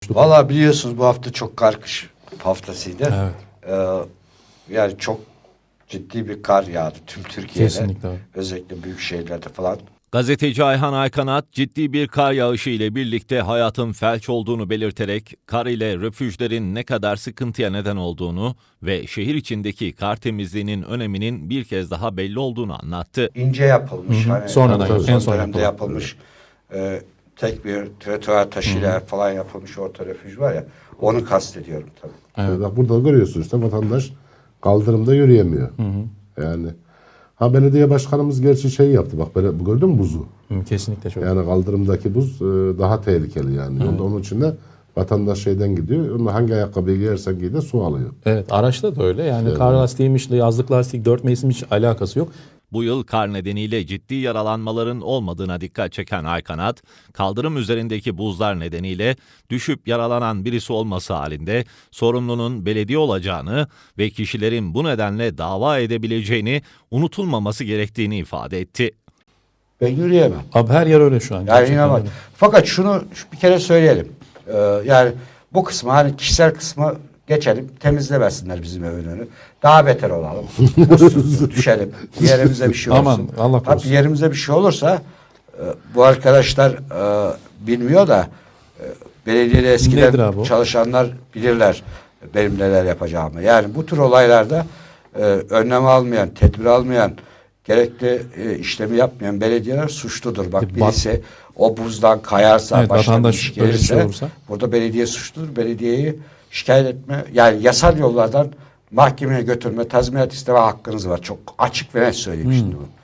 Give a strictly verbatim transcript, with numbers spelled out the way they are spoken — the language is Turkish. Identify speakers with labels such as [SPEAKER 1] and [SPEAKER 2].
[SPEAKER 1] konuştuk.
[SPEAKER 2] Valla biliyorsunuz bu hafta çok kar kış haftasıydı.
[SPEAKER 1] Evet.
[SPEAKER 2] Ee, yani çok ciddi bir kar yağdı tüm Türkiye'de.
[SPEAKER 1] Kesinlikle abi.
[SPEAKER 2] Özellikle büyük şehirlerde falan.
[SPEAKER 3] Gazeteci Ayhan Aykanat ciddi bir kar yağışı ile birlikte hayatın felç olduğunu belirterek kar ile refüjlerin ne kadar sıkıntıya neden olduğunu ve şehir içindeki kar temizliğinin öneminin bir kez daha belli olduğunu anlattı.
[SPEAKER 2] İnce yapılmış.
[SPEAKER 1] Hı hı.
[SPEAKER 2] Hani
[SPEAKER 1] Sonradan,
[SPEAKER 2] son
[SPEAKER 1] en son
[SPEAKER 2] dönemde
[SPEAKER 1] yapılan.
[SPEAKER 2] yapılmış. E, tek bir trotuar taşıyla falan yapılmış orta refüj var ya. Onu kastediyorum tabii.
[SPEAKER 1] Evet.
[SPEAKER 4] Bak burada görüyorsun işte vatandaş kaldırımda yürüyemiyor. Yani ha belediye başkanımız gerçi şey yaptı bak böyle gördün mü buzu?
[SPEAKER 1] Hı, kesinlikle çok.
[SPEAKER 4] Yani kaldırımdaki buz e, daha tehlikeli yani. Yolda onun için de vatandaş şeyden gidiyor. Onu hangi ayakkabıyı giyersen giy de su alıyor.
[SPEAKER 1] Evet, araçta da öyle. Yani kar lastiğiymiş, yazlık lastik, dört mevsim hiç alakası yok.
[SPEAKER 3] Bu yıl kar nedeniyle ciddi yaralanmaların olmadığına dikkat çeken Aykanat, kaldırım üzerindeki buzlar nedeniyle düşüp yaralanan birisi olması halinde sorumlunun belediye olacağını ve kişilerin bu nedenle dava edebileceğini unutulmaması gerektiğini ifade etti.
[SPEAKER 2] Ben yürüyemem.
[SPEAKER 1] Abi her yer öyle şu an.
[SPEAKER 2] Yani
[SPEAKER 1] Gerçekten
[SPEAKER 2] inanılmaz.
[SPEAKER 1] öyle.
[SPEAKER 2] Fakat şunu bir kere söyleyelim. Ee, yani bu kısmı hani kişisel kısmı geçelim. Temizlemesinler bizim evin önünü. Daha beter olalım. Mutsuz düşelim. Bir yerimize bir şey olsun.
[SPEAKER 1] Aman, Allah korusun.
[SPEAKER 2] Ha, bir yerimize bir şey olursa e, bu arkadaşlar e, bilmiyor da e, belediyede
[SPEAKER 1] Nedir
[SPEAKER 2] eskiden
[SPEAKER 1] abi o?
[SPEAKER 2] çalışanlar bilirler benim neler yapacağımı. Yani bu tür olaylarda e, önlem almayan, tedbir almayan, gerekli e, işlemi yapmayan belediyeler suçludur. Bak
[SPEAKER 1] E, bak-
[SPEAKER 2] birisi o buzdan kayarsa,
[SPEAKER 1] Evet,
[SPEAKER 2] başına bir
[SPEAKER 1] vatandaş
[SPEAKER 2] iş
[SPEAKER 1] öyle bir
[SPEAKER 2] gelirse
[SPEAKER 1] şey olursa.
[SPEAKER 2] burada belediye suçludur. Belediyeyi şikayet etme, yani yasal yollardan mahkemeye götürme, tazminat isteme hakkınız var. Çok açık ve net söyleyeyim şimdi bunu.